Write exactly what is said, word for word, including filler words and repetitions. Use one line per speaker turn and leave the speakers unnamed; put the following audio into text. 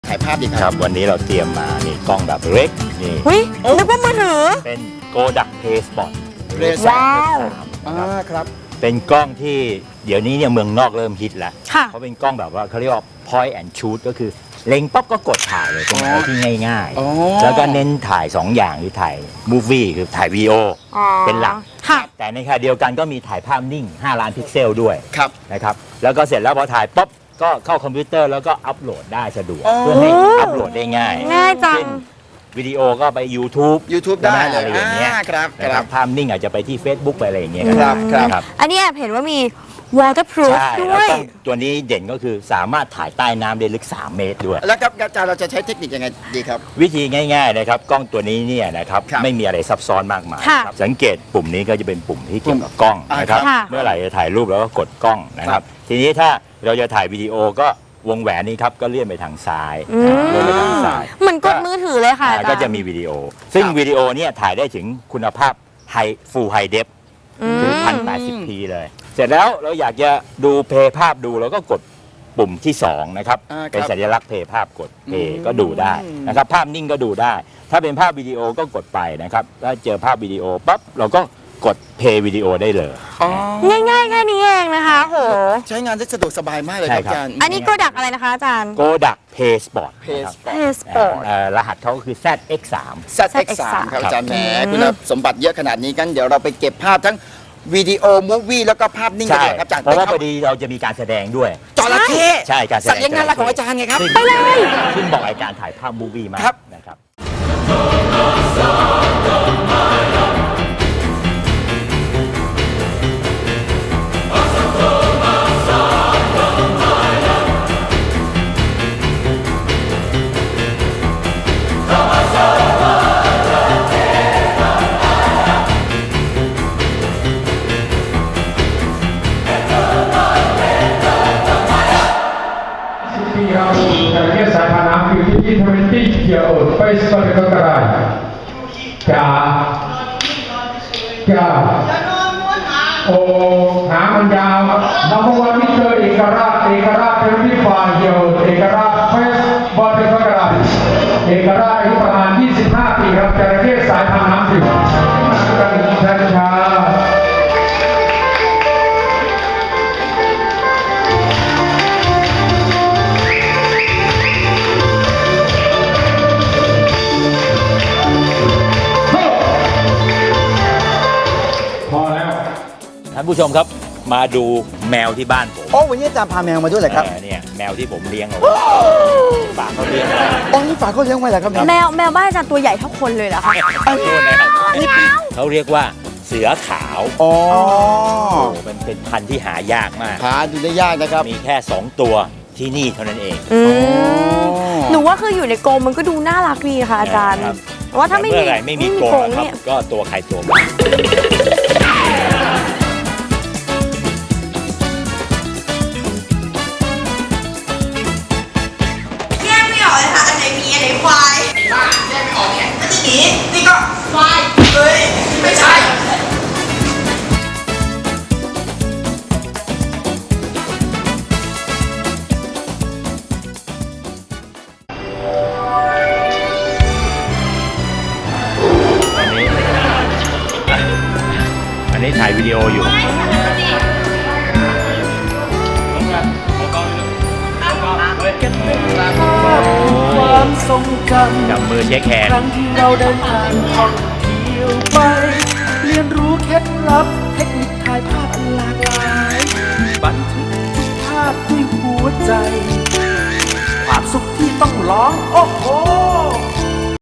ถ่ายภาพดีค
ค
รั
รั
บบ
วันนี้เราเตรียมมานี่กล้องแบบเล็กนี่
เฮ้ยนึกว่ามือถือ
เป็นโกดักเพย์สปอร์ต
Razer
ว้าว
อ่าครับ
เป็นกล้องที่เดี๋ยวนี้เนี่ยเมืองนอกเริ่มฮิตแล้ว
ค่ะ
เขาเป็นกล้องแบบว่าเขาเรียกว่า point and shoot ก็คือเล็งปั๊บก็กดถ่ายเลยเป็นอะไรที่ง่าย
อ๋อ
ๆ แล้วก็เน้นถ่าย สอง อย่างคือถ่ายมูฟวี่คือถ่ายวีดีโอ
อ๋อ
เป็นหลัก
ค่ะ
แต่ในขณะเดียวกันก็มีถ่ายภาพนิ่ง ห้า ล้านพิกเซลด้วย
ครับ
นะครับแล้วก็เสร็จแล้วพอถ่ายปั๊บก็เข้าคอมพิวเตอร์แล้วก็อัปโหลดได้สะดวก
อ๋อ
เพื่อให้อัปโหลดได้ง่าย
ง่ายจัง
เช่นวิดีโอก็ไป YouTube
YouTube ได้เลย
อะไรอย่างเงี้ย
อ่าครับ
นะ
ค
ค
รั
รับ บภาพนิ่งอาจจะไปที่ Facebook ไปอะไรอย่างเงี้ย
ครับครับ
ครับ
อันนี้แอบเห็นว่ามี waterproof
ใช่
ด้
แล้ว
วย
กล้องตัวนี้เด่นก็คือสามารถถ่ายใต้น้ำได้ลึก สาม เมตรด้วย
แล้วครับอาจารย์เราจะใช้เทคนิคยังไงดีครับ
วิธีง่ายๆนะครับกล้องตัวนี้เนี่ยนะครับ
ครับ
ไม่มีอะไรซับซ้อนมากมาย
ค่ะ
ครับสังเกตปุ่มนี้ก็จะเป็นปุ่มที่เกี่ยวกับกล้อง
อ่าน
นะครับ
ค่ะ
เมื่อไหร่จะถ่ายรูปแล้วก็กดกล้องนะค
ครั
รั
บบ
ทีนี้ถ้าเราจะถ่ายวิดีโอก็วงแหวนนี้ครับก็เลื่อนไปทางซ้าย
อืม
เลื่อนไปทางซ้าย
เหมือนกดมือถือเลยค่ะอา
อ่า
จารย์
ก็จะมีวิดีโอ ซึ่ง
ครับ
วิดีโอเนี่ยถ่ายได้ถึงคุณภาพไฮฟูลไฮเดฟ
อืม
คือ พันแปดสิบพี เลย เสร็จแล้วเราอยากจะดูเพย์ภาพดูเราก็กดปุ่มที่สองนะครับ
อ่าครับ
เป็นสัญลักษณ์เพย์ภาพกดเพ
อื
ย์
ม
ก็ดูได้นะครับภาพนิ่งก็ดูได้ ถ้าเป็นภาพวิดีโอก็กดไปนะครับถ้าเจอภาพวิดีโอปั๊บเราก็กดเพย์วิดีโอได้เลย
อ๋อ
ง่ายๆแค่นี้เองนะคะโห
ใช้งานได้สะดวกสบายมากเลยครับ
ใช่ครับ
อาจารย์
อันนี้โกดักอะไรนะคะอาจารย์
โกดักเพย์สปอร์ต
เพส
เพสปอร์ต
รหัสเขาก็คือ แซด เอ็กซ์ สาม
แซดเอ็กซ์สามครับอาจารย์แหมคุณสมบัติเยอะขนาดนี้กันเดี๋ยวเราไปเก็บภาพทั้งวิดีโอมูฟวี่แล้วก็ภาพนิ่งกัน
ใช่
เลยครับอาจารย์
เพราะว่า
ไปค
พ
บ
อดีเราจะมีการแสดงด้วย
จระเข้
ใช่การแสดง
สัตว์เลี้ยงน่ารักของอาจารย์ไงครับ
ซึ่ง
ไปเลย
ซึ่งบอกอาการถ่ายภาพมูฟวี่มาก
ครับ
นะครับ
We have uh, yes, I can have fifteen, twenty year old face for the crocodile. จ๋าจ๋าโอ้หางมันยาวครับนับวันที่เจอเอกราชเอกราชเป็นที่ฝ่ายเดียวเอกราชเฟสบอลเป็นกระดาษเอกราชอายุประมาณยี่สิบห้าปีครับจระเข้สายพันธุ์น้ำดื่มกันช้าๆ พอแล้ว
ท่านผู้ชมครับมาดูแมวที่บ้านผม
โอ้วันนี้อาจารย์พาแมวมาด้วยเหรอครับ
เออเนี่ยแมวที่ผมเลี้ยงเอาไว้ฝากเขาเลี้ยงไว้
อ๋อนี่ฝากเขาเลี้ยงไว้เหรอครับเนี่ย
แมวแมวบ้านอาจารย์ตัวใหญ่เท่าคนเลยเหรอคะ
ขอโทษนะครับเขาเรียกว่าเสือขาว
อ๋อ
โอ้มันเป็นพันธุ์ที่หายากมาก
หาดูได้ยากนะครับ
มีแค่สองตัวที่นี่เท่านั้นเอง
อืมหนูว่าคืออยู่ในกรงมันก็ดูน่ารักดีค่ะอาจารย์
ครับ
แต่ว่าถ้าไม่
เมื่
มี
อไหร่ไม่มีกรง
กรง
นะครับ
เนี่ย
ก็ตัวใครตัวมัน
แยกไม่ออกเลยค่ะ อันไหนหมีอันไหนควายบ้าแยกไม่ออกเนี่ยอันนี้หมีนี่ก็ควาย เฮ้ย ไม่ใช่
อันนี้อันนี้ถ่ายวิดีโออยู่จับมือเช็คแฮนด์
ครั้งที่เราเดินทางท่องเที่ยวไป เรียนรู้เคล็ดลับเทคนิคถ่ายภาพอันหลากหลาย บันทึกทุกภาพด้วยหัวใจ ความสุขที่ต้องร้อง โอ้โห